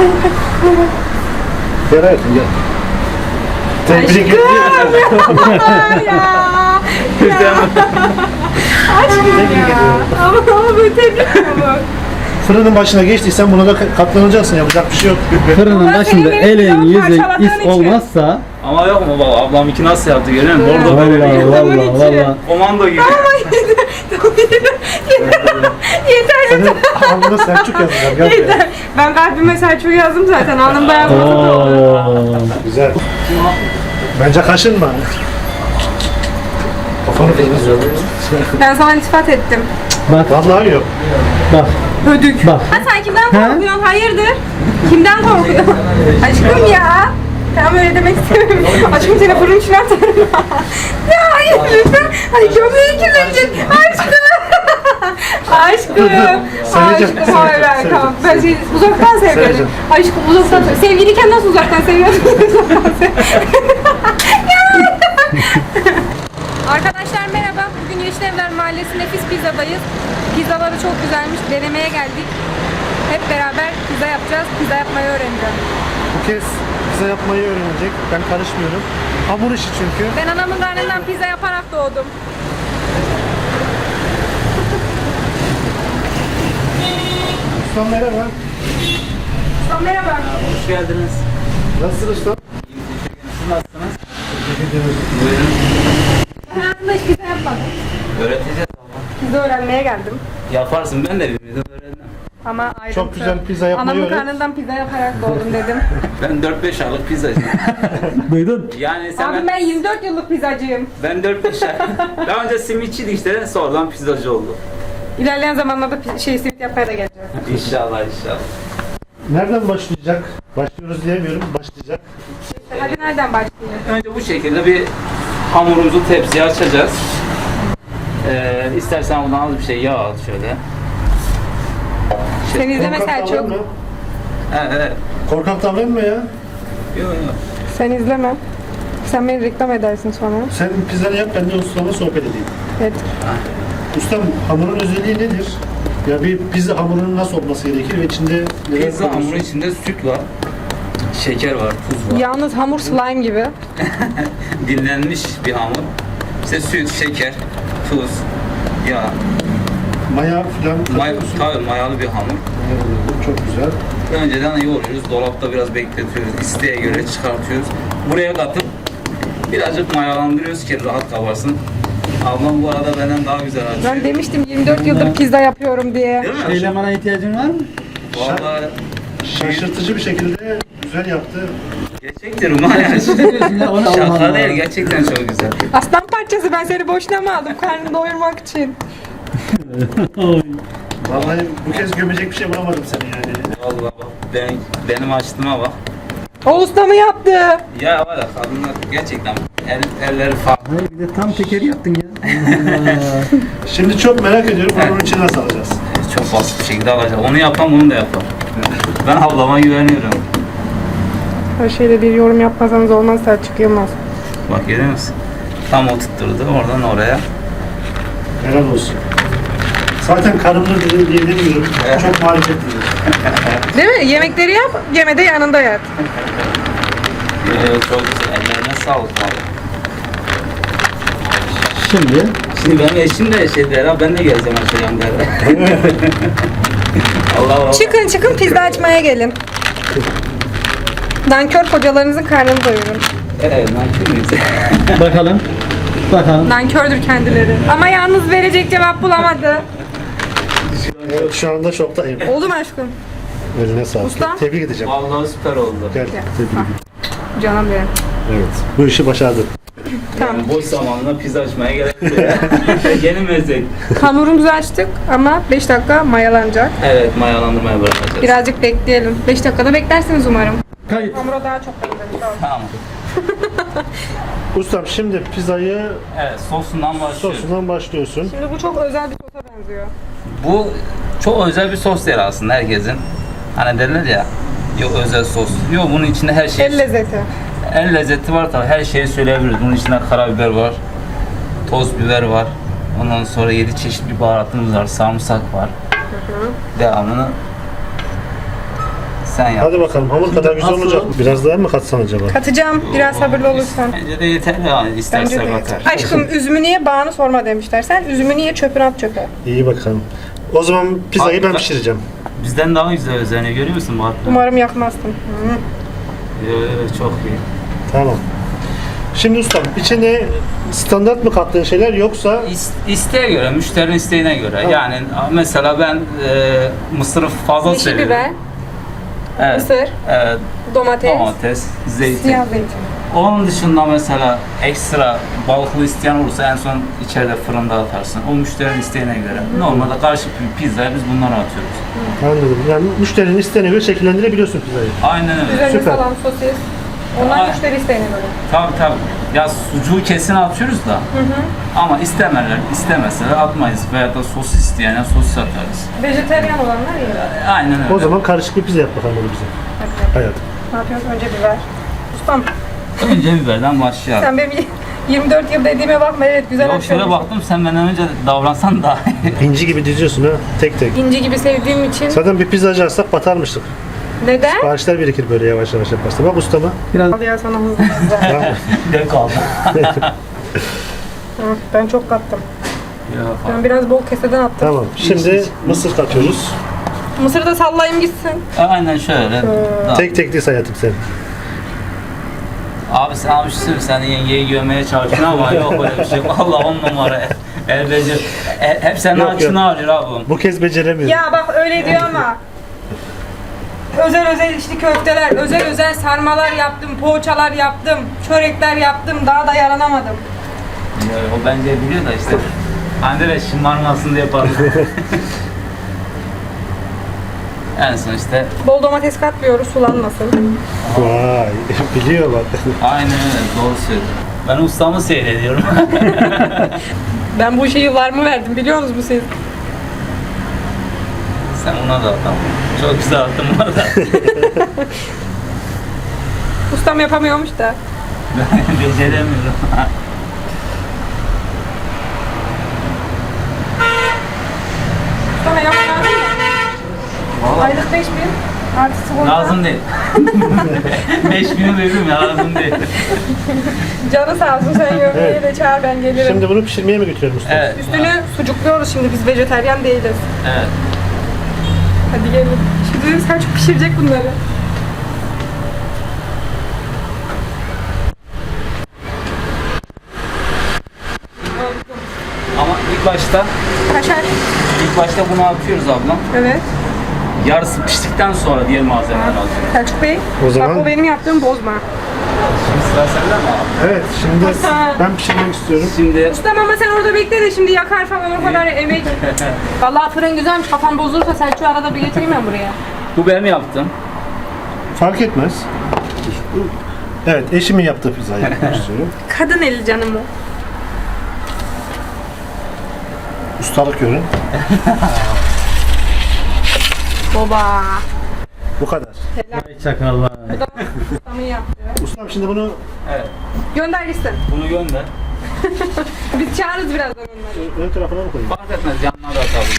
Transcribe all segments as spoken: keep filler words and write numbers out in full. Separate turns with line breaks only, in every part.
Gel hayatım gel. Tebrik ediyorum.
ya. Ya. Aşkım ya. Ama ama böyle tebrik ediyorum.
Fırının başına geçtiysen buna da katlanacaksın. Yapacak bir şey yok.
Fırının
Ulan
başında
senin benim
elin
kızım
yüzün
parçaladığın
is
için.
olmazsa
Ama yok mu baba? Ablam iki nasıl yaptı görüyor musun? Orada
vallahi
böyle bir
vallahi vallahi.
komando gibi.
Yeter
Senin
yeter.
alnına Selçuk yazacağım. Gel buraya.
Yeter. Ben kalbime Selçuk yazdım zaten. Alnımda yazmadı da olur.
Oo.
Güzel. Bence kaşınma. Kafanı kırmızı.
Ben sana iltifat ettim.
Bak
Vallahi yok.
bak
Hödük.
bak.
Ha sen kimden korkuyorsun? Hayırdır? Kimden korkuyorsun? Aşkım ya. Tamam öyle demek istemiyorum. Aşkım seni fırın içine atarım. Ya hayır lütfen. Ay gömleği kirlenecek. Aşkım. Aşkım.
Seveceğim,
Aşkım hayır hayır
seveceğim,
tamam. Ben seni uzaktan seviyorum.
Seveceğim.
Aşkım uzaktan seviyorum. Sevgiliyken nasıl uzaktan seviyorsun? Uzaktan seviyorum. Arkadaşlar merhaba. Bugün Yeşilevler Mahallesi Nefis Pizza'dayız. Pizzaları çok güzelmiş. Denemeye geldik. Hep beraber pizza yapacağız. Pizza yapmayı öğreneceğim.
Bu kez pizza yapmayı öğrenecek. Ben karışmıyorum. Hamur işi çünkü.
Ben anamın karnından pizza yaparak doğdum.
Ustam merhaba.
Ustam merhaba.
Hoş geldiniz.
Nasılsın ustam?
Siz nasılsınız?
Buyurun.
Ben aslında hiç pizza yapmadım.
Öğreteceğiz abla.
Pizza öğrenmeye geldim.
Yaparsın, ben de bilmiyordum, öğrendim.
Ama ayrıntı.
Çok güzel pizza yapmayı
Anamın
öğret.
karnından pizza yaparak doğdum dedim.
Ben dört beş aylık pizzacıyım.
Duydun?
Yani sen
Abi ben yirmi dört yıllık pizzacıyım.
ben dört beş ay. Daha önce simitçiydi işte, sonradan pizzacı oldu.
İlerleyen zamanlarda pi- şey simit yapmaya da geleceğim.
İnşallah inşallah.
Nereden başlayacak? Başlıyoruz diyemiyorum. Başlayacak.
Hadi nereden başlayayım?
Önce bu şekilde bir hamurumuzu tepsiye açacağız. Ee, istersen buradan az bir şey yağ al şöyle.
Sen izleme
Korkak
Selçuk.
davranma.
Evet, evet.
Korkak davranma ya.
Yok yok.
Sen izleme. Sen beni reklam edersin sonra.
Sen pizzanı yap, ben de ustama sohbet edeyim.
Evet.
Ustam, hamurun özelliği nedir? Ya bir pizza hamurunun nasıl olması gerekir ve içinde neler
Pizza
koyuyorsun?
hamuru içinde süt var, şeker var, tuz var.
Yalnız hamur slime gibi.
Dinlenmiş bir hamur. İşte süt, şeker, tuz, yağ.
Maya filan
May
katıyorsun.
tabii mayalı bir hamur.
Mayalı, çok güzel.
Önceden yoğuruyoruz, dolapta biraz bekletiyoruz, isteğe göre çıkartıyoruz. Buraya katıp birazcık mayalandırıyoruz ki rahat kabarsın. Ablam bu arada benden daha güzel açıyor.
Ben demiştim yirmi dört yıldır pizza yapıyorum diye.
Değil mi?
Elemana ihtiyacın var mı?
Vallahi
Şaşırtıcı bir şekilde güzel yaptı.
gerçektir ulan yani.
Ne diyorsun ya? Onu
Şaka
Almanlar.
değil, gerçekten çok güzel.
Aslan parçası ben seni boşuna mı aldım karnını doyurmak için?
Vallahi bu kez gömecek bir şey bulamadım seni yani.
Vallahi bak, ben, benim açtığıma bak.
O usta mı yaptı?
Ya var ya kadınlar gerçekten el, elleri farklı.
Hayır, bir de tam tekeri yaptın ya. Allah.
Şimdi çok merak ediyorum hamurun içine nasıl alacağız?
Çok basit bir şekilde alacak. Onu yapan bunu da yapar. Ben ablama güveniyorum.
Her şeyde bir yorum yapmasanız olmaz Selçuk Yılmaz.
Bak görüyor musun? Tam o tutturdu oradan oraya.
Helal olsun. Zaten karımdır diye diye demiyorum.
Evet.
Çok marifetliyim.
Değil mi? Yemekleri yap, yemede yanında yat.
Ee, çok güzel. Ellerine sağlık abi.
Şimdi
Şimdi benim eşim de şey der ha, ben de geleceğim açacağım der. Allah Allah.
Çıkın çıkın pizza açmaya gelin. Nankör kocalarınızın karnını doyurun.
Evet, nankör müyüz?
bakalım. Bakalım.
Nankördür kendileri. Ama yalnız verecek cevap bulamadı.
Evet, şu anda şoktayım.
Oldu mu aşkım?
Eline sağlık.
Usta.
Tebrik edeceğim.
Vallahi süper oldu.
Gel.
Gel. Ah, canım benim.
Evet. Bu işi başardın.
Tamam.
Yani boş zamanında pizza açmaya gerek yok. Yeni meslek.
Hamurumuzu açtık ama beş dakika mayalanacak.
Evet, mayalandırmaya bırakacağız.
Birazcık bekleyelim. beş dakikada beklersiniz umarım.
Kayıt.
Hamura daha çok bekledim.
Tamam.
Ustam şimdi pizzayı
Evet, sosundan başlıyoruz.
sosundan başlıyorsun.
Şimdi bu çok özel bir sosa benziyor.
Bu çok özel bir sos değil aslında herkesin. Hani derler ya, yok özel sos. Yok, bunun içinde her şey.
El lezzeti.
El lezzeti var tabii, her şeyi söyleyebiliriz. Bunun içinde karabiber var, toz biber var. Ondan sonra yedi çeşit bir baharatımız var, sarımsak var. Devamını Sen yap.
Hadi bakalım hamur kadar güzel
asıl-
olacak. Biraz daha mı katsan acaba?
Katacağım biraz sabırlı olursan.
Bence de yeter ya.
Bence
İsterse
de.
katar.
Aşkım üzümü niye bağını sorma demişler. Sen üzümü niye çöpüne at çöpe.
İyi bakalım. O zaman pizzayı
Abi
ben
ben-
pişireceğim.
Bizden daha güzel üzerine görüyor musun bu arada?
Umarım yakmazsın. Hı.
Evet, çok iyi.
Tamam. Şimdi ustam içine standart mı kattığın şeyler yoksa
İs- İsteğe göre, müşterinin isteğine göre.
Tamam.
Yani mesela ben e, mısırı fazla
Yeşil
seviyorum.
biber,
Evet.
mısır,
Evet,
domates,
domates, zeytin.
siyah zeytin.
Onun dışında mesela ekstra balıklı isteyen olursa en son içeride fırında atarsın. O müşterinin isteğine göre. Normalde karışık bir pizzaya biz bunları atıyoruz.
anladım. Yani müşterinin isteğine göre şekillendirebiliyorsun pizzayı.
Aynen öyle.
Üzerine
Süper.
salam, sosis. Onlar
Aa.
müşteri isteğine göre.
Tabii tabii. Ya sucuğu kesin atıyoruz da. Ama istemerler, istemeseler atmayız. Veya da sosis isteyene sosis atarız.
Vejeteryan olanlar iyi.
Aynen öyle.
O zaman karışık bir pizza yap bakalım onu bize.
Hadi.
Hayatım.
Ne yapıyoruz? Önce biber. Ustam
önce biberden başlayalım.
sen benim yirmi dört yıl dediğime bakma. Evet güzel
Yok şöyle
açıyorsun.
baktım sen benden önce davransan daha iyi.
İnci gibi diziyorsun ha. Tek tek.
İnci gibi sevdiğim için.
Zaten bir pizzacı açsak batarmıştık.
Neden?
Bağışlar birikir böyle yavaş yavaş yaparsa. Bak ustama.
Biraz
Al ya sana hızlı hızlı.
Tamam.
Ne kaldı?
Hı, ben çok kattım.
Yok
Ben biraz bol keseden attım.
Tamam. Şimdi mısır katıyoruz.
Mısırı da sallayayım gitsin.
Aynen şöyle. Tamam.
Tek tek diz hayatım sen.
Abi sen abi şu sen yengeyi görmeye çalışıyorsun ama yok öyle bir şey. Vallahi on numara. El beceri. E, hep senin
Yok,
açını
yok.
arıyor abi.
Bu kez beceremiyorum.
Ya bak öyle diyor ama. Özel özel içli köfteler, özel özel sarmalar yaptım, poğaçalar yaptım, çörekler yaptım. Daha da yaranamadım.
Ya, o bence biliyor da işte. Hande de şımarmasın diye yapalım. En son işte
Bol domates katmıyoruz, sulanmasın.
Vay. Biliyor bak.
aynen öyle doğru söylüyorsun. Ben ustamı seyrediyorum.
Ben bu işe yıllarımı verdim, biliyor musunuz siz?
Sen ona da attın. Çok güzel attın bana da.
Ustam yapamıyormuş da.
Ben beceremiyorum.
Ustama yapman lazım mı?
Vallahi
Aylık beş bin. Artı sigorta.
lazım değil. Beş bini veririm ya lazım değil.
Canı sağ olsun, sen görmeye de çağır, ben gelirim.
Şimdi bunu pişirmeye mi götürelim usta?
Evet.
Üstünü sucukluyoruz şimdi, biz vejeteryan değiliz.
Evet.
Hadi gelin. Şimdi sen çok pişirecek bunları.
Ama ilk başta
Kaşar.
ilk başta bunu atıyoruz ablam.
Evet.
Yarısı piştikten sonra diğer malzemeleri alıyoruz.
Selçuk Bey.
O zaman-
Bak o benim yaptığım bozma.
Şimdi sıra sende mi abi?
Evet. Şimdi
Hasan.
ben pişirmek istiyorum.
Şimdi
Ustam ama sen orada bekle de şimdi yakar falan o kadar emek. Vallahi fırın güzelmiş. Kafam bozulursa Selçuk'u arada bir getireyim ben buraya.
bu benim yaptım.
Fark etmez. Evet. Eşimin yaptığı pizzayı yapmak istiyorum.
Kadın eli canım o.
Ustalık görün.
Baba.
Bu kadar.
çakallar.
Ustamın yaptı.
Ustam şimdi bunu
Evet.
Gönder gitsin.
Bunu gönder.
Biz çağırırız birazdan onları.
ön tarafına mı koyayım?
Fark etmez yanına da atalım.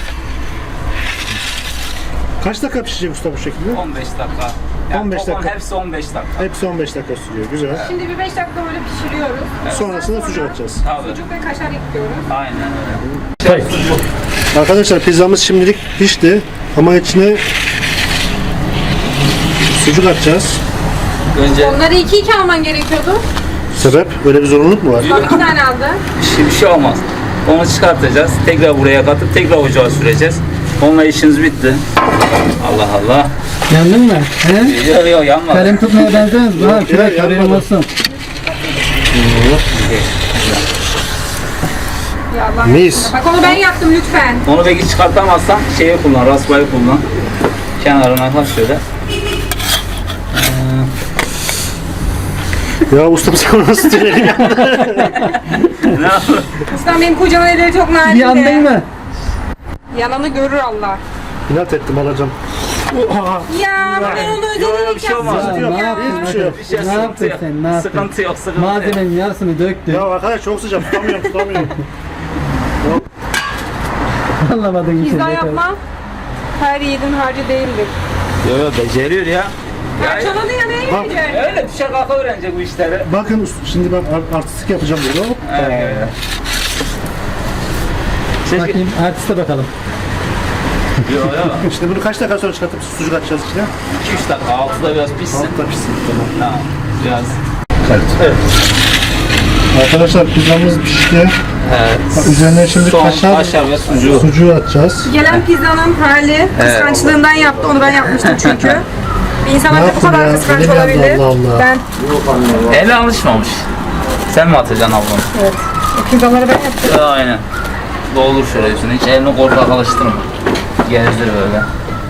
Kaç dakika pişecek usta bu şekilde?
on beş dakika. Yani
on beş
toplam
dakika.
hepsi on beş dakika.
Hepsi on beş dakika sürüyor. Güzel.
Şimdi bir beş dakika böyle pişiriyoruz.
Sonrasında
Sonra
sucuk atacağız.
Tabii.
Sucuk ve kaşar ekliyoruz.
Aynen öyle. Sucuk.
Arkadaşlar pizzamız şimdilik pişti ama içine sucuk atacağız.
Önce
Onları iki iki alman gerekiyordu.
Sebep? Öyle bir zorunluluk mu var?
Tam iki tane aldı.
bir şey, bir şey olmaz. Onu çıkartacağız. Tekrar buraya katıp tekrar ocağa süreceğiz. Onunla işiniz bitti. Allah Allah.
Yandın mı? He?
Yok yok yanmadı.
Kalem tutmaya benzemez mi? Ha,
Yok ya,
kürek haberin
yanmadı.
olsun.
Ya Allah
Mis.
aşkına. Bak onu ben yaptım lütfen.
Onu belki çıkartamazsan şeyi kullan, raspayı kullan. Kenarına kaç şöyle.
Ya ustam sen onu nasıl söyledin ya?
Ne yapalım?
Ustam benim kocamın elleri çok narin de.
Yandın mı?
Yananı görür Allah.
İnat ettim alacağım. Oha!
Ya ben onu
Yok, yok, bir
özellikle
şey olmaz.
Ya,
Yok,
ne yaptın?
hiçbir şey yok.
Bir şey
Ne
sıkıntı
yaptın
yok.
sen? Ne yaptın?
Sıkıntı yok, sıkıntı yok.
Malzemenin yarısını döktün.
Ya arkadaş çok sıcak tutamıyorum tutamıyorum.
Anlamadın işi.
Pizza yapma her yiğidin harcı değildir.
Yo yo beceriyor ya.
Parçaladı ya neye
Bak.
gelecek?
Öyle düşe kalka öğrenecek bu işleri.
Bakın usta, şimdi ben ar- artistik yapacağım burada. Hop.
Evet.
Bakayım artiste bakalım.
Yo yo.
İşte bunu kaç dakika sonra çıkartıp sucuk atacağız içine?
iki üç dakika altıda biraz pişsin.
Altta pişsin. Tamam.
Tamam. Biraz.
Evet. Arkadaşlar pizzamız pişti.
Evet.
Bak, üzerine şimdi
Son
kaşar,
kaşar ve sucuğu.
sucuğu atacağız.
Gelen pizzanın hali kıskançlığından yaptı. Onu ben yapmıştım çünkü. Bir insan
Ne
ancak bu
yaptın
kadar
ya?
kıskanç
Elim yandı,
olabilir.
Allah Allah.
Ben
Eli alışmamış. Sen mi atacaksın ablam?
evet. O pizzaları ben yaptım.
Aynen. Doldur şöyle üstüne. Hiç elini korkak alıştırma. Gezdir böyle.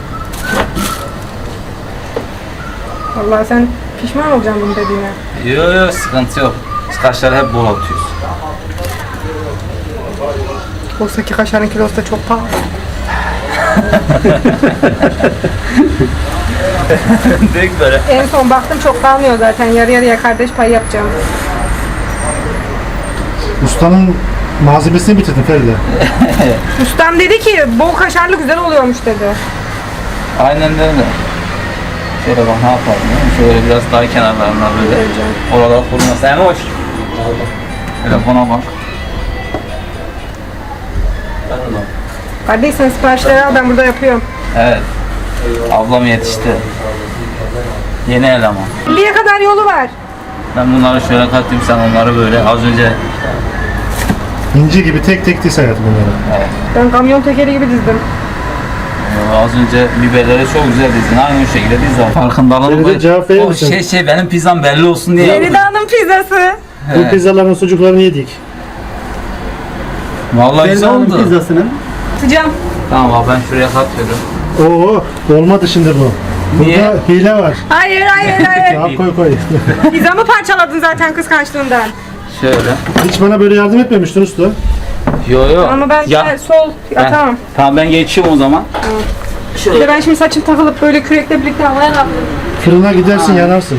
Vallahi sen pişman olacaksın bunu dediğine.
Yo yo sıkıntı yok. Biz kaşarı hep bol atıyoruz.
Oysa ki kaşarın kilosu da çok pahalı.
Direkt böyle.
En son baktım çok kalmıyor zaten. Yarı yarıya kardeş payı yapacağım.
Ustanın malzemesini bitirdin Feride.
Ustam dedi ki bol kaşarlı güzel oluyormuş dedi.
Aynen de öyle. Şöyle bak ne yapalım değil mi? Şöyle biraz daha kenarlarına böyle. Oralar kurulması. Hem hoş. Telefona bak.
Kardeş sen siparişleri al ben burada yapıyorum.
Evet. Ablam yetişti. Yeni eleman.
elliye kadar yolu var.
Ben bunları şöyle katayım, sen onları böyle az önce
İnci gibi tek tek diz hayatım bunları.
evet,
Ben kamyon tekeri gibi dizdim.
e, az önce biberleri çok güzel dizdin. Aynı şekilde diz var. Farkındalığım
Feride, cevap verir
O
misin?
şey şey benim pizzam belli olsun diye yaptım.
Feride Hanım pizzası.
Bu pizzaların sucuklarını yedik.
Vallahi güzel
Feride
oldu.
pizzasının.
Sıcağım.
Tamam abi ben şuraya katıyorum.
Oo, olmadı şimdi bu. Burada
Niye?
hile var.
Hayır hayır hayır.
Ya koy koy.
Pizzamı parçaladın zaten kıskançlığından.
Şöyle.
Hiç bana böyle yardım etmemiştin usta.
Yo yo.
Ama ben
ya,
de sol
ben-
atamam.
Tamam ben geçiyorum o zaman.
Bir de
Şöyle.
ben şimdi saçım takılıp böyle kürekle birlikte havaya kalktım.
Fırına gidersin
Ha.
yanarsın.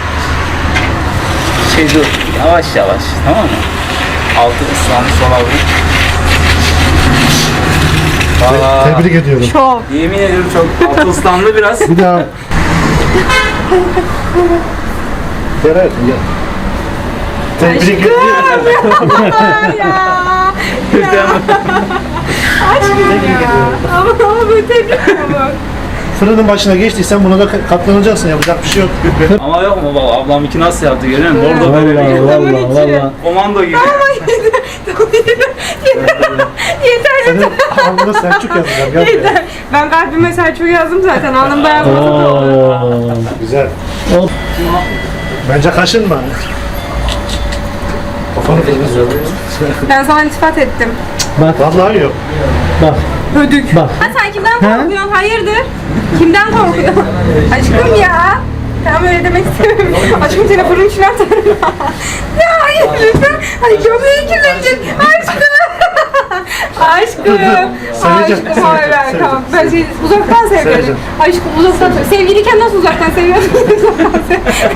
Şey dur. Yavaş yavaş. Tamam mı? Altı ıslanmış olabilir. Valla.
Tebrik ediyorum.
Çok.
Yemin ediyorum çok altı ıslandı biraz.
Bir daha. Ferhat ya. Tebrik ediyorum.
ya. Aşkım ya. Ama ama böyle tebrik ediyorum.
Fırının başına geçtiysen buna da katlanacaksın, yapacak bir şey yok.
Ama yok mu baba ablamınki nasıl yaptı görüyor musun? Orada
Valla
böyle bir
valla valla.
komando gibi.
Yeter
Senin alnına Selçuk yazacağım. Gel buraya.
yeter. Ben kalbime Selçuk yazdım zaten. Alnımda yazmadım.
Oo.
Güzel.
Hop.
Bence kaşınma. Kafanı kırmızı.
Ben sana iltifat ettim.
Vallahi yok.
Bak
Hödük.
bak.
Ha sen kimden korkuyorsun? Hayırdır? Kimden korkuyorsun? Aşkım ya. Tamam öyle demek istemiyorum. Aşkım seni fırın içine atarım. Ya hayır lütfen. Ay gömleği kirlenecek. Aşkım. Aşkım.
Seveceğim,
Aşkım hayır hayır
seveceğim.
tamam. Ben seni uzaktan seviyorum.
Seveceğim.
Aşkım uzaktan seviyorum. Sevgiliyken nasıl uzaktan seviyorsun? Uzaktan seviyorum.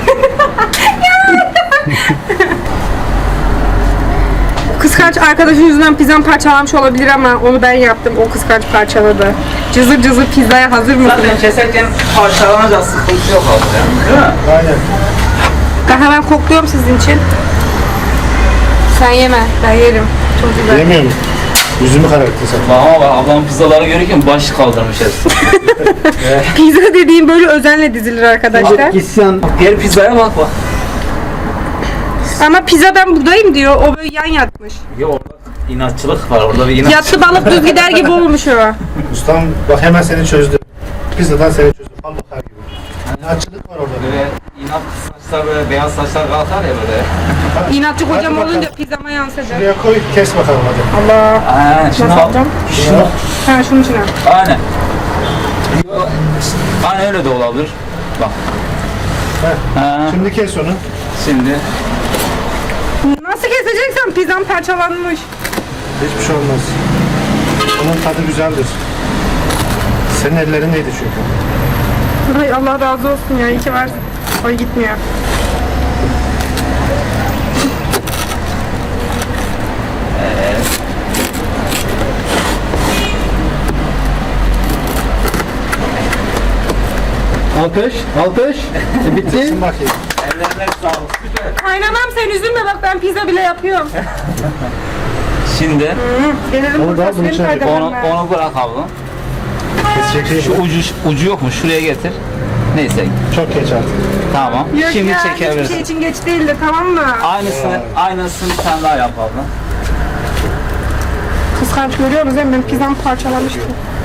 Kıskanç arkadaşın yüzünden pizzam parçalanmış olabilir ama onu ben yaptım. O kıskanç parçaladı. Cızır cızır pizzaya hazır mısın?
Zaten keserken parçalanacak sıkıntı yok abi ya. Değil mi?
Aynen.
Ben hemen kokluyorum sizin için. Sen yeme, ben yerim. Çok güzel.
Yemiyorum. Yüzümü kararttın sen.
Bak ama bak ablam pizzaları görürken baş kaldırmış hepsi.
Pizza dediğim böyle özenle dizilir arkadaşlar.
İsyan.
Diğer pizzaya bak bak.
Ama pizza ben buradayım diyor. O böyle yan yatmış.
Ya orada inatçılık var orada bir inat.
Yattı balık düz gider gibi olmuş o.
Ustam bak hemen seni çözdü. Pizzadan seni çözdü. Al bakar gibi. İnatçılık var orada.
Böyle inat saçlar böyle beyaz saçlar kalkar ya böyle.
İnatçı
Hadi
kocam
bakalım.
olunca pizzama yansıdı.
Şuraya koy, kes bakalım hadi.
Allah.
Aynen şimdi
Nasıl
al.
alacağım?
Şunu.
Ha şunun içine.
Aynen. Aynen öyle de olabilir. Bak.
Heh.
Ha,
Şimdi kes onu.
şimdi
Nasıl keseceksen pizzam parçalanmış.
Hiçbir şey olmaz. Onun tadı güzeldir. Senin ellerindeydi çünkü.
Ay Allah razı olsun ya. İyi ki varsın. Ay gitmiyor.
Alkış, alkış. E, bitti.
Şimdi bakayım.
Ellerine sağlık. Süper.
Kaynanam sen üzülme bak ben pizza bile yapıyorum.
Şimdi
Gelelim
Onu da
burada
bunun
senin
içine
faydalarına.
onu, onu bırak abla.
Kesecek
Şu
şey yok.
ucu, ucu yok mu? Şuraya getir. Neyse.
Çok geç artık.
Tamam.
Yok
Şimdi
ya, hiçbir
çekebilirsin.
şey için geç değildi tamam mı?
Aynısını, aynısını bir tane daha yap abla.
Kıskanç görüyor musun? Benim pizzamı parçalamıştı.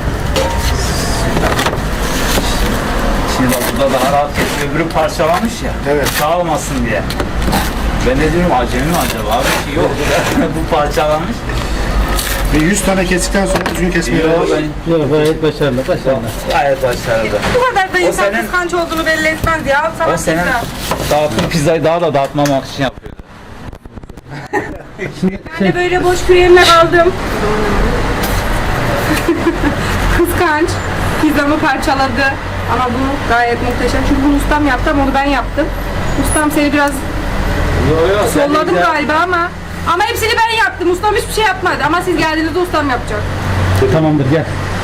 Şimdi bak burada daha rahat kesiyor. Öbürü parçalamış ya.
Evet.
Dağılmasın diye. Ben de diyorum acemi mi acaba? Abi ki yok. Bu parçalanmış.
Bir yüz tane kestikten sonra düzgün kesmeyi
Yok
öğren.
ben
Yok gayet başarılı, başarılı.
gayet başarılı.
Bu kadar da insan
senin-
kıskanç olduğunu belli etmez ya. Al sana
O senin
pizza.
dağıttığın pizzayı daha da dağıtmamak için yapıyordu.
Ben de böyle boş küreğimle kaldım. Kıskanç. Pizzamı parçaladı. Ama bu gayet muhteşem. Çünkü bunu ustam yaptı ama onu ben yaptım. Ustam seni biraz
Yok yok.
solladım galiba ama ama hepsini ben yaptım. Ustam hiçbir şey yapmadı. Ama siz geldiğinizde ustam yapacak.
Tamamdır gel.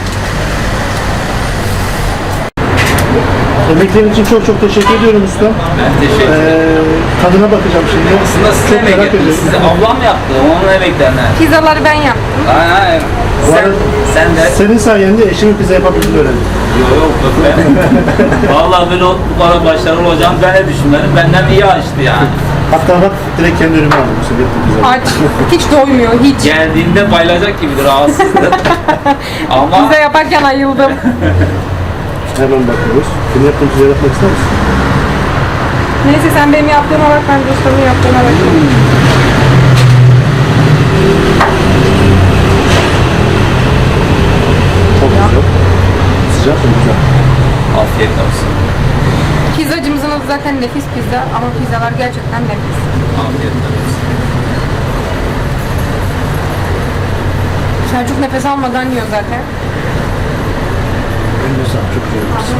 Emeklerin için çok çok teşekkür ediyorum usta.
Ben teşekkür ederim.
Ee, tadına bakacağım şimdi.
Aslında size
çok
emek
merak
yaptı.
ediyorum.
Size ablam yaptı. Onun emeklerine.
Pizzaları ben yaptım.
Aynen aynen.
Bu
Sen,
arada-
sen de.
Senin sayende eşimin pizza yapabildiğini öğrendim.
Yok yok yok ben. Vallahi böyle o- bu kadar başarılı olacağını ben de düşünmedim. Benden iyi açtı yani.
Hatta bak direkt kendi önüme aldım. Bu sefer pizza.
Aç. Hiç doymuyor. Hiç.
Geldiğinde bayılacak gibidir, rahatsızdır. Ama
Pizza yaparken ayıldım.
Hemen bakıyoruz. Senin yaptığın pizza yapmak ister misin?
Neyse sen benim yaptığıma bak, ben de ustamın yaptığına bakayım.
Çok güzel. Sıcak mı güzel?
afiyet olsun.
Pizzacımızın adı zaten Nefis Pizza ama pizzalar gerçekten nefis.
Afiyet olsun.
Selçuk nefes almadan yiyor zaten.
Eline sağlık. Çok güzel yapmışsın.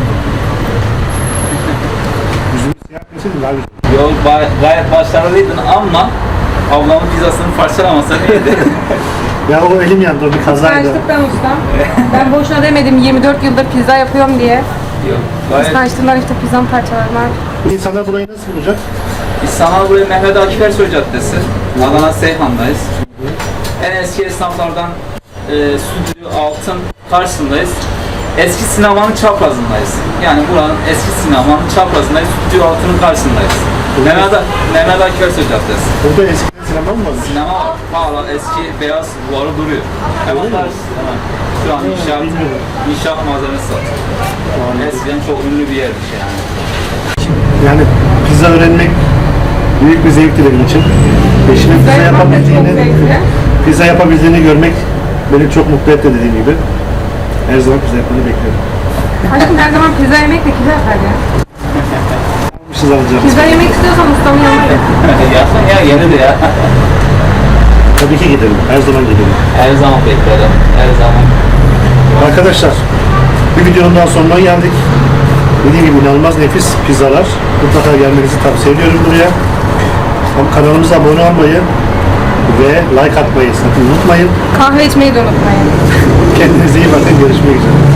Yüzünü siyah keseydin daha güzel.
Yol bay- gayet başarılıydın ama ablamın pizzasını parçalamasan iyiydi.
Ya o elim yandı. O bir kazaydı.
Kıskançlıktan ustam. Ben boşuna demedim yirmi dört yıldır pizza yapıyorum diye.
Yok. Gayet.
Kıskançlığından işte pizzam parçalarlar.
İnsanlar burayı nasıl bulacak?
Biz sana buraya Mehmet Akif Ersoy Caddesi. Adana Seyhan'dayız. En eski esnaflardan e, Stüdyo Altın karşısındayız. Eski sinemanın çaprazındayız. Yani buranın eski sinemanın çaprazındayız. Stüdyo Altın'ın karşısındayız. Mehmet, Mehmet Akif Ersoy Caddesi.
Burada eskiden sinema mı varmış?
Sinema hala eski beyaz duvarı duruyor. Hemen
Öyle mi?
karşısı. Hemen. Şu an inşaat,
bilmiyorum.
inşaat malzemesi satıyor. Eskiden çok ünlü bir yermiş yani.
Yani pizza öğrenmek büyük bir zevkti benim için. Eşimin pizza
yapmak da çok
yapabildiğini,
zevkli.
pizza yapabildiğini görmek beni çok mutlu etti dediğim gibi. Her zaman pizza yapmayı bekliyorum.
Aşkım her zaman pizza yemek de güzel yapar ya.
Bir şey alacağım.
Pizza yemek istiyorsan ustamın yanına git.
Yapsan ya yenidir ya.
Tabii ki gidelim. Her zaman gidelim.
Her zaman beklerim. Her zaman.
Arkadaşlar bir videonun daha sonuna geldik. Dediğim gibi inanılmaz nefis pizzalar. Mutlaka gelmenizi tavsiye ediyorum buraya. Ama kanalımıza abone olmayı ve like atmayı sakın unutmayın.
Kahve içmeyi de unutmayın.
Kendinize iyi bakın. Görüşmek üzere.